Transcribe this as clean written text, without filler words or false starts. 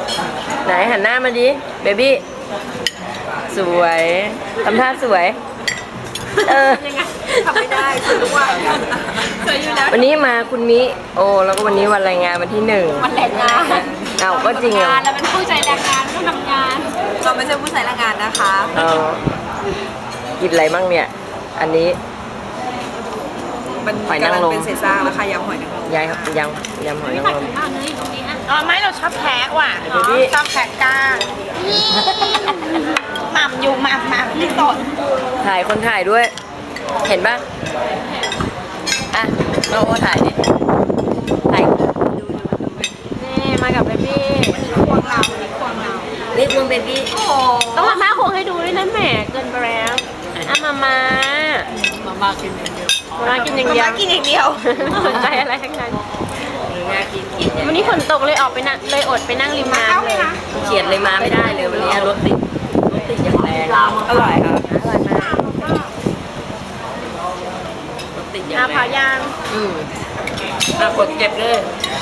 ไหนหันหน้ามาดิเบบี้สวยทำท่าสวยยังไงทำไม่ได้สวยทุกวันสวยอยู่แล้ววันนี้มาคุณมิโอ้แล้วก็วันนี้วันแรงงานวันที่1 วันแรงงานเอาก็จริงอ่ะเราเป็นผู้ใช้แรงงานผู้ทำงานเราไม่ใช่ผู้ใช้แรงงานนะคะกินอะไรบ้างเนี่ยอันนี้มันหอยนางรมเป็นเศษซากแล้วค่ะยำหอยนางรมยำหอยนางรมอ๋อไม่เราชอบแคะว่ะชอบแคะก้างหม่ำอยู่หม่ำที่สดถ่ายคนถ่ายด้วยเห็นปะอ่ะเราโอถ่ายดิถ่ายนี่มากับเบบี้ควงเรานี่ควงเบบี้ต้องมาม่าควงให้ดูด้วยนะแหมเกินไปแล้วอ่ะมากินอย่างเดียวมากินอย่างเดียวสนใจอะไรทั้งนั้นวันนี้ฝนตกเลยออกไปนั่งเลยอดไปนั่งริมน้ำเลยเขียดเลยมาไม่ได้เลยวันนี้รถติดอย่างแรงอร่อยค่ะอร่อยมากรถติดอย่างแรงพายางกดเก็บเลย